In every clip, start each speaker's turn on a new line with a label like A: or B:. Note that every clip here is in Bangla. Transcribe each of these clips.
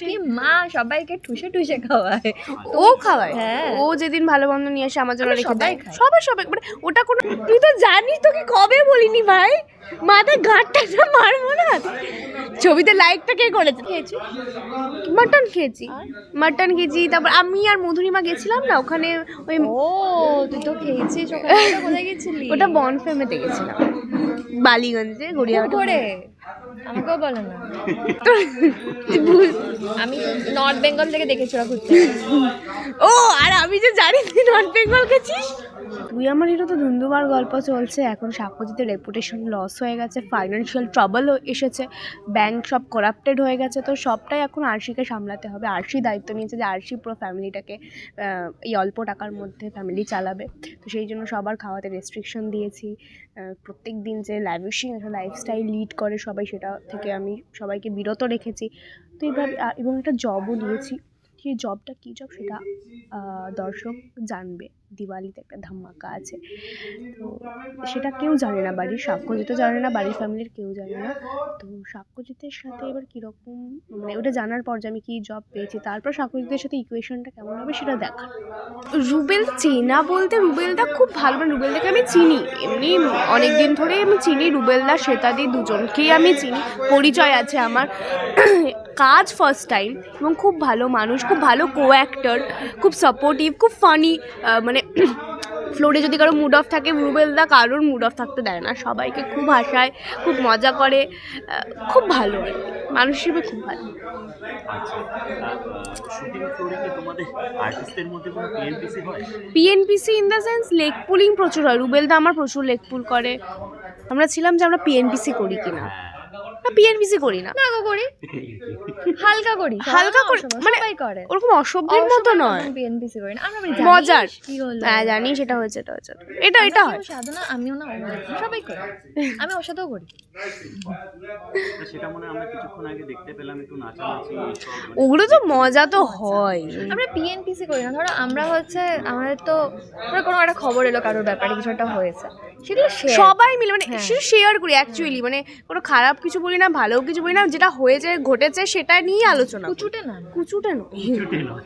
A: কি মা সবাইকে ঠুসে ঠুসে খাওয়ায়,
B: ও খাওয়ায়।
A: হ্যাঁ।
B: ও যেদিন ভালো মন্দ নিয়ে এসে আমার জন্য
A: আমরা
B: রেখে
A: সবাই
B: দেয়,
A: খাই।
B: সবাই মানে ওটা কোনো, তুই তো জানিস তোকে কবে বলিনি ভাই, মাথায় গাঁটটা মারবো না। ছবিতে লাইকটা কে করেছে?
A: খেয়েছি,
B: মাটন খেয়েছি, মাটন খেয়েছি। তারপর আমি আর মধুরিমা গেছিলাম না ওখানে, ওই
A: ও তুই তো খেয়েছিস। ওখানে কোথায় গেছিলি?
B: ওটা বনফেমেতে গেছিলাম, বালিগঞ্জে, গড়িয়াহাটে।
A: করে আমাকেও বলো না। আমি নর্থ বেঙ্গল থেকে দেখেছি ওরা ঘুরতে।
B: ও আর আমি যে জানি তুই নর্থ বেঙ্গল গেছিস। তুই আমার হিরো তো ধুন্দুবার গল্প চলছে এখন। সাক্ষ্যজিতের রেপুটেশন লস হয়ে গেছে, ফাইন্যান্সিয়াল ট্রাবলও এসেছে, ব্যাংক সব করাপ্টেড হয়ে গেছে। তো সবটাই এখন আরশিকে সামলাতে হবে। আরশি দায়িত্ব নিয়েছে যে আরশি পুরো ফ্যামিলিটাকে এই অল্প টাকার মধ্যে ফ্যামিলি চালাবে। তো সেই জন্য সবার খাওয়াতে রেস্ট্রিকশন দিয়েছি। প্রত্যেক দিন যে ল্যাভিশিং একটা লাইফস্টাইল লিড করে সবাই, সেটা থেকে আমি সবাইকে বিরত রেখেছি। তো এইভাবে এবং একটা জবও নিয়েছি। সেই জবটা কী জব সেটা দর্শক জানবে। দিওয়ালিতে একটা ধামাকা আছে, তো সেটা কেউ জানে না, বাড়ির সাক্ষ্যজিতও জানে না, বাড়ির ফ্যামিলির কেউ জানে না। তো সাক্ষ্যজিতের সাথে এবার কীরকম, মানে ওটা জানার পর যে আমি কী জব পেয়েছি, তারপর সাক্ষ্যজিতের সাথে ইকুয়েশনটা কেমন হবে সেটা দেখার। রুবেল চেনা বলতে, রুবেলদা খুব ভালো, মানে রুবেলদাকে আমি চিনি, এমনি অনেক দিন ধরেই আমি চিনি। রুবেলদা শ্বেতাদি দুজনকেই আমি চিনি, পরিচয় আছে আমার। কাজ ফার্স্ট টাইম, এবং খুব ভালো মানুষ, খুব ভালো কো অ্যাক্টর, খুব সাপোর্টিভ, খুব ফানি। মানে ফ্লোরে যদি কারো মুড অফ থাকে, রুবেলদা কারোর মুড অফ থাকতে দেয় না, সবাইকে খুব হাসায়, খুব মজা করে, খুব ভালো আর কি। মানুষ হিসেবে খুব ভালো।
C: আচ্ছা, শুটিং ফ্লোরে কি তোমাদের আর্টিস্টদের মধ্যে কোনো পিএনপিসি হয়?
B: PNPC in the sense leg pulling প্রচুর হয়। রুবেলদা আমার প্রচুর লেগ পুল করে। আমরা ছিলাম যে আমরা পিএনপিসি করি কিনা, না পিএনপিসি করি না,
A: না গো করি, হালকা করি,
B: হালকা করি, মানে
A: সবাই করে,
B: ওরকম অসভ্যের মতো নয়,
A: বিএনপিসি করি না আমরা।
B: মজার।
A: কি হলো?
B: হ্যাঁ জানি, সেটা হয়েছে, এটা হয়।
A: সাধনা আমিও না, সবাই করে, আমি ওর সাথেও করি।
C: সেটা মনে হয় আমরা কিছুক্ষণ আগে দেখতে পেলাম একটু নাচানাচি এইসব, মানে
B: ওগুলো তো মজা তো হয়।
A: আমরা পিএনপিসি করি না। ধরো আমরা হচ্ছে, আমাদের তো কোনো একটা খবর এলো কারোর ব্যাপারে, কিছু একটা হয়েছে, সেগুলো
B: সবাই মিলে মানে
A: হ্যাঁ।
B: সেটা শেয়ার করি অ্যাকচুয়ালি, মানে কোনো খারাপ কিছু বলি না, ভালো কিছু বলি না, যেটা হয়েছে ঘটেছে সেটা নিয়ে আলোচনা করি।
A: কুচুটে না,
B: কুচুটে নয়।
C: ছুটি নয়।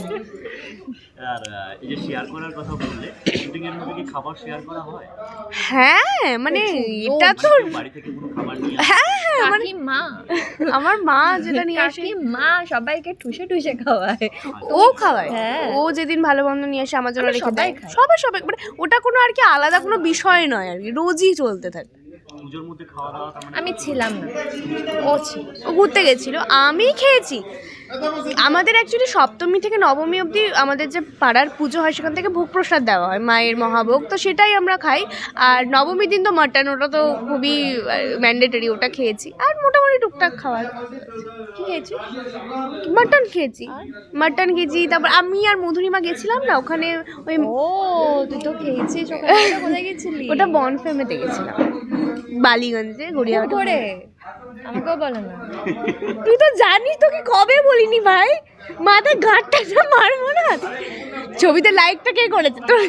C: আর এই যে শেয়ার করার কথা বললে, শুটিং এর মধ্যে কি খাবার শেয়ার করা হয়?
B: হ্যাঁ মানে এটা তো
C: বাড়ি থেকে কোনো খাবার নিয়ে
B: হ্যাঁ মানে
A: কাকি মা,
B: আমার মা যেটা নিয়ে আসে,
A: কাকি মা সবাইকে ঠুসে ঠুসে খাওয়ায়,
B: ও খাওয়ায়।
A: হ্যাঁ।
B: ও যেদিন ভালো মন্দ নিয়ে এসে আমার জন্য
A: আমরা
B: রেখে
A: সবাই
B: দেয়,
A: খাই।
B: সবাই মানে ওটা কোনো আর কি আলাদা কোনো বিষয় নয় আর কি, রোজই চলতে থাকে।
C: পুজোর মধ্যে খাওয়া দাওয়া তার মানে
A: আমি ছিলাম না, ও ছিল।
B: ও ঘুরতে গেছিল, আমি খেয়েছি। আমাদের অ্যাকচুয়ালি সপ্তমী থেকে নবমী অবধি আমাদের যে পাড়ার পুজো হয় সেখান থেকে ভোগ প্রসাদ দেওয়া হয়, মায়ের মহাভোগ, তো সেটাই আমরা খাই। আর নবমীর দিন তো মাটন, ওটা তো খুবই ম্যান্ডেটরি, ওটা খেয়েছি। আর মোটামুটি টুকটাক খাওয়ার।
A: কি খেয়েছি?
B: মাটন খেয়েছি, মাটন খেয়েছি। তারপর আমি আর মধুরিমা গেছিলাম না ওখানে, ওই
A: ও তুই তো খেয়েছিস। ওখানে কোথায় গেছিলি?
B: ওটা বনফেমেতে গেছিলাম, বালিগঞ্জে, গড়িয়াহাটে।
A: করে আমাকেও বলো না।
B: তুই তো জানিস তোকে কবে বলিনি ভাই, মাথায় গাঁটটা মারবো না। ছবিতে লাইকটা কে করেছে? তো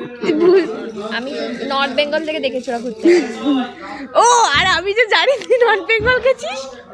A: আমি নর্থ বেঙ্গল থেকে দেখেছি ওরা ঘুরতে।
B: ও আর আমি যে জানি তুই নর্থ বেঙ্গল গেছিস।